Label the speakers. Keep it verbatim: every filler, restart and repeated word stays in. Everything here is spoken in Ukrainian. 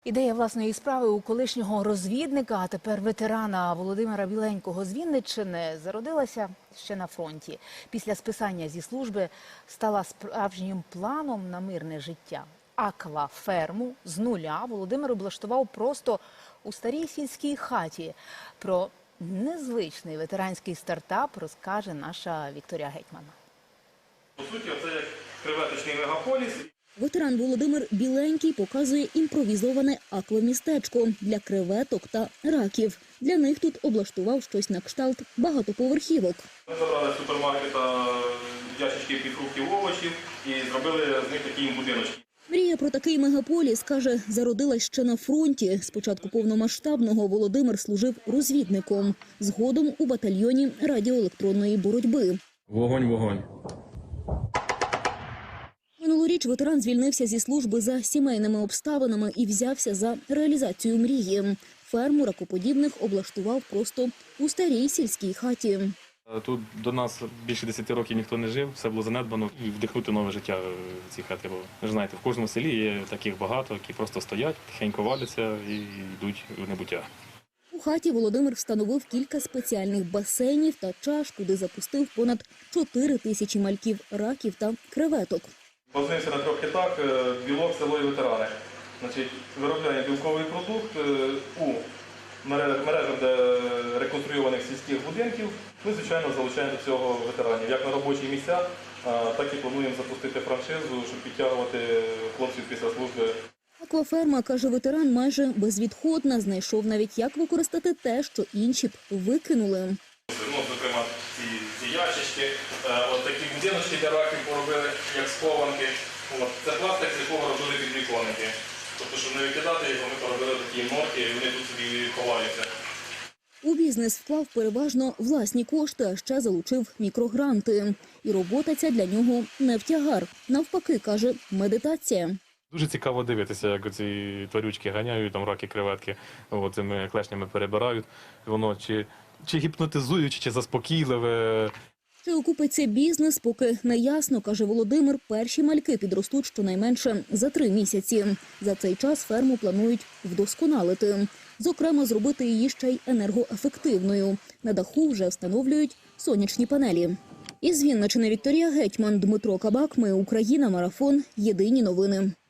Speaker 1: Ідея власної справи у колишнього розвідника, а тепер ветерана Володимира Біленького з Вінниччини зародилася ще на фронті. Після списання зі служби стала справжнім планом на мирне життя. Акваферму з нуля Володимир облаштував просто у старій сільській хаті. Про незвичний ветеранський стартап розкаже наша Вікторія Гетьман.
Speaker 2: По суті, це як креветочний мегаполіс.
Speaker 3: Ветеран Володимир Біленький показує імпровізоване аквамістечко для креветок та раків. Для них тут облаштував щось на кшталт багатоповерхівок.
Speaker 2: Ми забрали з супермаркета ящички під фруктів, овочів і зробили з них такі будиночки.
Speaker 3: Мрія про такий мегаполіс, каже, зародилась ще на фронті. Спочатку повномасштабного Володимир служив розвідником, згодом у батальйоні радіоелектронної боротьби.
Speaker 2: Вогонь, вогонь.
Speaker 3: Минулоріч ветеран звільнився зі служби за сімейними обставинами і взявся за реалізацію мрії. Ферму ракоподібних облаштував просто у старій сільській хаті.
Speaker 4: Тут до нас більше десяти років ніхто не жив, все було занедбано. І вдихнути нове життя в цій хаті було. Ви ж знаєте, в кожному селі є таких багато, які просто стоять, тихенько валяться і йдуть в небуття.
Speaker 3: У хаті Володимир встановив кілька спеціальних басейнів та чаш, куди запустив понад чотири тисячі мальків раків та креветок.
Speaker 2: Базуємося на трьох хітах – білок, село і ветерани. Значить, виробляємо білковий продукт у мережах де реконструйованих сільських будинків. Ми, звичайно, залучаємо до цього ветеранів. Як на робочі місця, так і плануємо запустити франшизу, щоб підтягувати хлопців після служби.
Speaker 3: Акваферма, каже ветеран, майже безвідходна. Знайшов навіть, як використати те, що інші б викинули.
Speaker 2: Ну, зокрема, ці, ці ящички, от такі будиночки для раків поробили, як схованки. От, це пластик, з якого робили підвіконники. Тобто, щоб не викидати його, ми поробили такі норки, і вони тут собі ховаються.
Speaker 3: У бізнес вклав переважно власні кошти, а ще залучив мікрогранти. І робота ця для нього не в тягар. Навпаки, каже, медитація.
Speaker 4: Дуже цікаво дивитися, як ці тварючки ганяють, там раки, креветки, цими клешнями перебирають. Воно чи, чи гіпнотизуюче, чи заспокійливе.
Speaker 3: Чи окупиться бізнес, поки не ясно, каже Володимир. Перші мальки підростуть щонайменше за три місяці. За цей час ферму планують вдосконалити. Зокрема, зробити її ще й енергоефективною. На даху вже встановлюють сонячні панелі. Із Вінниччини Вікторія Гетьман, Дмитро Кабак. Ми Україна. Марафон. Єдині новини.